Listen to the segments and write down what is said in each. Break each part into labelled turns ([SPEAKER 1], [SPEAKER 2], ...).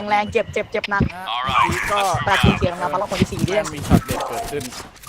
[SPEAKER 1] แรงเจ็บหนักก็แปลกเสียงมาพลังคนที่4ด้วย
[SPEAKER 2] มีช็อตเด็ดเกิดขึ้น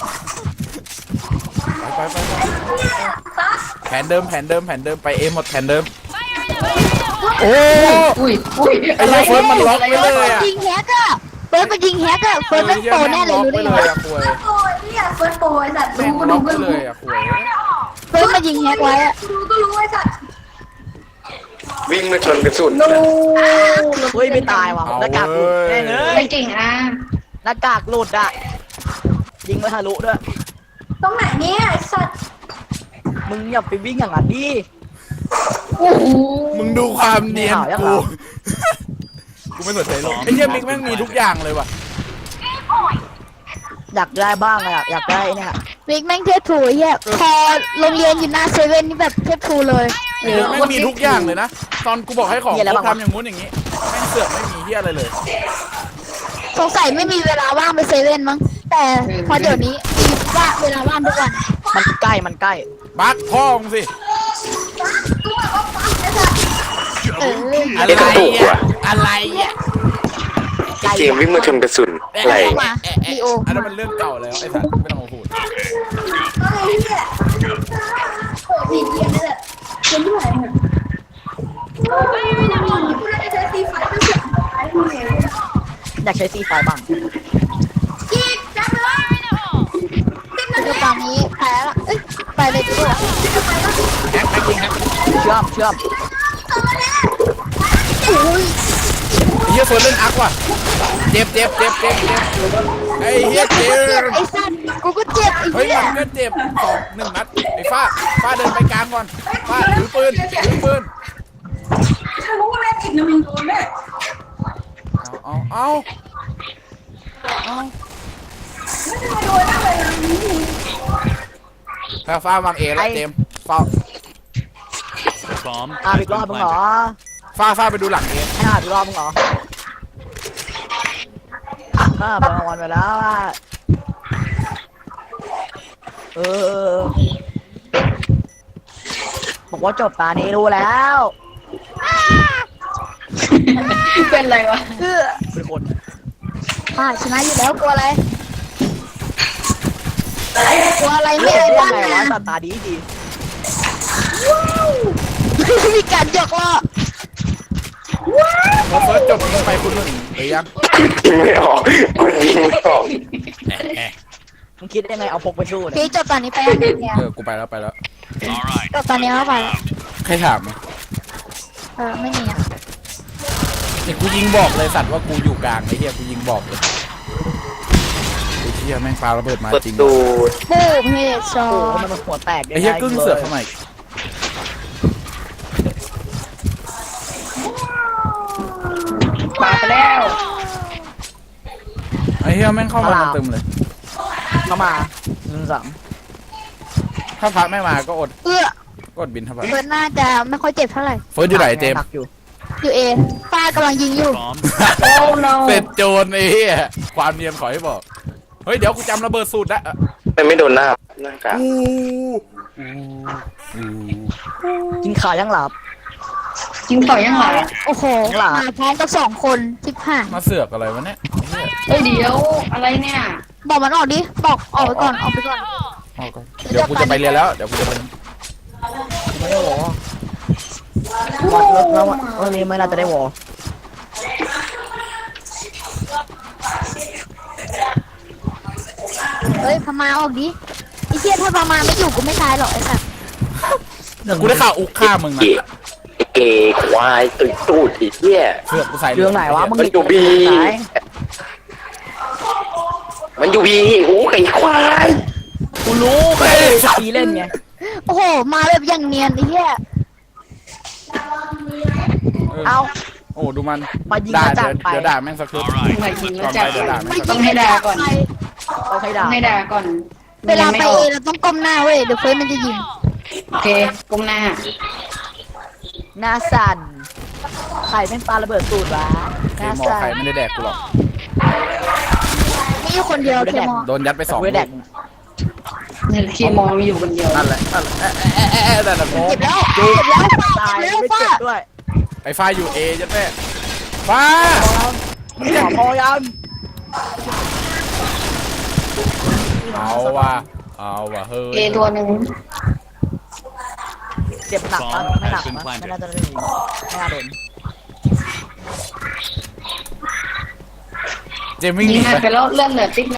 [SPEAKER 2] ไปแผนเดิมไปเอหมดแผนเดิมโอ้ไอ้เฟิร์สมันล็อกไปเลยอ่ะ
[SPEAKER 3] ยิงแฮกอะเฟิร์สมันยิงแฮกอะเฟิร์สมันโตแน่เลยรู้ได้ไง
[SPEAKER 4] โอ้ยเนี่ยเฟิร์สโปรไอ้สัตว์รู้ก็
[SPEAKER 2] ล็
[SPEAKER 4] รู้
[SPEAKER 2] อกไป
[SPEAKER 4] ก็
[SPEAKER 2] เล
[SPEAKER 4] รู้
[SPEAKER 2] ยอ่ะคุย
[SPEAKER 3] เฟิร์สมันยิงแฮกไว้อะ
[SPEAKER 4] รู้ก็รู้ไอ้สัตว์
[SPEAKER 5] วิ่งมาชนกระสุน
[SPEAKER 1] เฮ้ยไม่ตายว่ะหน้ากากหลุดแน่เลย
[SPEAKER 4] ไม่จริงอ่ะ
[SPEAKER 1] หน้ากากหลุดอ่ะยิงไม่ทะลุด้วย
[SPEAKER 4] ตรงไหนเนี่ยไอ้สัตว์
[SPEAKER 1] มึงอย่าไปวิ่งอย่างนั้นดิ
[SPEAKER 4] โอ้โห
[SPEAKER 2] มึงดูความเนียน
[SPEAKER 1] ไม่
[SPEAKER 2] กู
[SPEAKER 1] เอา
[SPEAKER 2] กูไม่สนใจหรอกไอ้เหี้ยมิกแม่งมีทุกอย่างเลยว่ะ
[SPEAKER 1] อยากได้บ้างอะอยากได้เนี่ย
[SPEAKER 3] มิกแม่งเทพทูไอ้เหี้ยพอโรงเรียนอยู่หน้าเซเว่นนี่แบบเทพทูเลย
[SPEAKER 2] ไอ้เหี้ยแม่งมีทุกอย่างเลยนะตอนกูบอกให้ของกูทำอย่างงู้นอย่างงี้แม่งเสือกไม่มีเหี้ยอะไรเลย
[SPEAKER 3] สงสัยไม่มีเวลาว่างไปเซเว่นมั้งแต่พอเดี๋ยวนี้มีว่าเวลาว่างทุกวัน
[SPEAKER 1] มันใกล้
[SPEAKER 2] บักพ่อมึงสิ
[SPEAKER 3] เออ
[SPEAKER 2] อะไรอ่ะอะไรอ่ะ
[SPEAKER 5] เกมวิ่งมาชนกระสุนอะไร
[SPEAKER 3] เข้ามาลีโอ
[SPEAKER 2] อันนั้นมันเรื่องเก่าแล้วไอ้สัตว์ไม่ต้องมาพูด
[SPEAKER 4] ก็เลยเนี่ยโอ้ยดีเยี่ยมเลยเป็นที่ไหนเนี่ยกูได้ใช้ซีไฟก็เสียงไอ้พวกเนี่ย
[SPEAKER 1] อยากใช้ซีไฟบ้าง
[SPEAKER 4] อีกจับเลย
[SPEAKER 3] เดี๋ยวตอนนี้แพ้ละเอ้ยไปเลยดีกว่า
[SPEAKER 1] เชื่อม
[SPEAKER 3] โอ้ย
[SPEAKER 2] ไอ้เหี้ยเฟิร์สเล่นอักว่ะเจ็บไอ้เหี้ยเจ็
[SPEAKER 3] เจ็
[SPEAKER 2] บบ
[SPEAKER 3] ไอ้สัตว์กูก็เจ็บไอ้
[SPEAKER 2] เฮ้ย
[SPEAKER 3] เหี้ย
[SPEAKER 2] มันก็เจ็บ1 นัดไอ้ฟ้าเดินไปกลางก่อนฟ้าถือปืน
[SPEAKER 4] ถ้ารู้ว่าแม่ติดนะมึงโดนแน่
[SPEAKER 2] เอา
[SPEAKER 4] ไม่โดนอะไรเลย
[SPEAKER 2] ฟ้าวางเอแล้วเจมฟ้า
[SPEAKER 1] อีกรอบมึงเหรอ
[SPEAKER 2] ฟ้าไปดูหลังเอ
[SPEAKER 1] ให้อีกรอบมึงเหรอไปรางวัลไปแล้วเออบอกว่าจบตานี้รู้แล้ว
[SPEAKER 4] เป็นไรวะ
[SPEAKER 1] เป็นคน
[SPEAKER 3] ชนะอยู่แล้วกลัวอะไรกลัวอะไรไม่ไอ้บ้าน
[SPEAKER 1] ไงวะ
[SPEAKER 3] นะ
[SPEAKER 1] ตาดี
[SPEAKER 3] มีการหยอกล้อ
[SPEAKER 2] พอเฟิร์สจบยิงไปคุณหนึ่งหรือยัง
[SPEAKER 5] ยิงไม่ออกมันยิงไม่ออก
[SPEAKER 1] มึงคิดได้ไงเอาพกไปสู้เนี่ย
[SPEAKER 3] พี่จบตอนนี้ไปยังเนี่ย
[SPEAKER 2] กูไปแล้ว
[SPEAKER 3] จบตอนนี้แล้วไปแล้ว
[SPEAKER 2] ใครถาม
[SPEAKER 3] ไม่มีอ่ะ
[SPEAKER 2] ไอ้กูยิงบอกเลยสัตว์ว่ากูอยู่กลางไอ้เหี้ยกูยิงบอกเลยไอ้เหี้ยแม่งปาระเบิดมา
[SPEAKER 5] เปิด
[SPEAKER 2] จริง
[SPEAKER 5] ตู
[SPEAKER 3] ปูเพจซอ
[SPEAKER 1] โอ้โหมันหัวแตก
[SPEAKER 2] ไอ้เหี้ยกึ่งเสือกเข้ามาอีก
[SPEAKER 4] ปาไปแล้ว
[SPEAKER 2] ไอ้เหี้ยแม่งเข้ามาเต็มเลย
[SPEAKER 1] เข้ามา1-3
[SPEAKER 2] ถ้าพระไม่มาก็อด
[SPEAKER 3] ก
[SPEAKER 2] ดบินเท่าไหร่
[SPEAKER 3] เฟิร์สน่าจะไม่ค่อยเจ็บเท่าไหร่
[SPEAKER 2] เฟิร์สอยู่ไหนเจม
[SPEAKER 1] หนักอยู่
[SPEAKER 3] อยู่เอป้ากำลังยิงอยู่
[SPEAKER 4] โอ้ no
[SPEAKER 2] เสร็จโจรไอ้เหี้ยความเนียนขอให้บอกเฮ้ยเดี๋ยวกูจำระเบิดสูตรได้
[SPEAKER 5] มันไม่โดนหน้ากาก
[SPEAKER 1] กินข่าวยังหลับ
[SPEAKER 4] จริงต่อยังไง
[SPEAKER 3] โอ้โห
[SPEAKER 1] หลา
[SPEAKER 3] มาพร้อมกับ2 คนทิพห่าง
[SPEAKER 2] มาเสือกอะไรวะเนี่ยไอ้เหี้ย
[SPEAKER 4] เฮ้ยเดี๋ยวอะไรเนี่ย
[SPEAKER 3] บอกมันออกดิบอกออกไปก่อนออกไปก่อน
[SPEAKER 2] เอาก่อนเดี๋ยวกูจะไปเรียนแล้วเดี๋ยวกูจะไป
[SPEAKER 1] ไม่ได้หรอวัดรถแล้ววันนี้ไม่น่าจะได้วอ
[SPEAKER 3] เฮ้ยพม่าออกดิไอ้เชี่ยถ้าพม่าไม่อยู่กูไม่ตายหรอกไอ้สัส
[SPEAKER 2] กูได้ข่าวอุกฆ่ามึงนะ
[SPEAKER 5] เกย์ควายตุยตูดอีเหี้ย
[SPEAKER 2] เสือกกูใส่
[SPEAKER 1] เรื่องไหนวะมึง
[SPEAKER 5] มันอยู่บี
[SPEAKER 1] ไหน
[SPEAKER 5] มันอยู่บีโอ้ไอ้ควาย
[SPEAKER 1] กูรู้ไปตีเล่นไง
[SPEAKER 3] โอ้โหมาแบบอย่างเนียนไอ้เหี้ย
[SPEAKER 1] เอา
[SPEAKER 2] โอ้ดูมัน
[SPEAKER 1] มายิง
[SPEAKER 2] ด่า
[SPEAKER 1] มาจากไป
[SPEAKER 2] เดี๋ยวด่าแม่งสักคืน
[SPEAKER 4] มายิง
[SPEAKER 2] ก่
[SPEAKER 4] แล้
[SPEAKER 2] อ
[SPEAKER 4] วน จั
[SPEAKER 2] ไป
[SPEAKER 4] บ
[SPEAKER 2] เดี๋ยวด่าแม่งสัก
[SPEAKER 4] ต้องให้ด่าก่อน
[SPEAKER 1] เอาใครด่า
[SPEAKER 4] ต้องให้ด่าก่อน
[SPEAKER 3] เวลาไปเอเราต้องก้มหน้าเว้ยเดี๋ยวเฟิร์สมันจะยิง
[SPEAKER 4] โอเคก้มหน้า
[SPEAKER 1] หน้าสั่นใครเป็นปลาระเบิดสูตรวะห
[SPEAKER 2] เค
[SPEAKER 1] น้าม
[SPEAKER 2] อ
[SPEAKER 1] สั่น
[SPEAKER 2] ใครไม่ได้แดกกูหรอก
[SPEAKER 3] มีอยู่คนเดียวเคมอ
[SPEAKER 2] โดนยัดไป2
[SPEAKER 1] ไม่
[SPEAKER 2] ลู
[SPEAKER 1] แด
[SPEAKER 2] ก
[SPEAKER 1] ก
[SPEAKER 4] เนี่ยเคมองมีอยู่คนเดียว
[SPEAKER 2] นั่นแหละนั่นแหละ
[SPEAKER 3] เจ็บแล้วเจ็บแล้ว
[SPEAKER 1] ตาย
[SPEAKER 3] เจ็บแล้ว
[SPEAKER 1] ไม่
[SPEAKER 3] ป้า
[SPEAKER 1] เจ็บด้วย
[SPEAKER 2] ไอ้ฟ้าอยู่เอยัดแม่ฟ้ามันจะ
[SPEAKER 1] พอยัง
[SPEAKER 2] เอาว่ะเฮ้ย
[SPEAKER 4] เอตัวหนึ่ง
[SPEAKER 1] เจ็บหนักนะไม่หนักนะไม่น่าจะได้ไม่น่าโดน
[SPEAKER 2] เจมวิ่งห
[SPEAKER 4] ยิ
[SPEAKER 2] นี
[SPEAKER 4] ง
[SPEAKER 2] ไป
[SPEAKER 4] ไปแล้วเลื่อนเหลือติ๊ก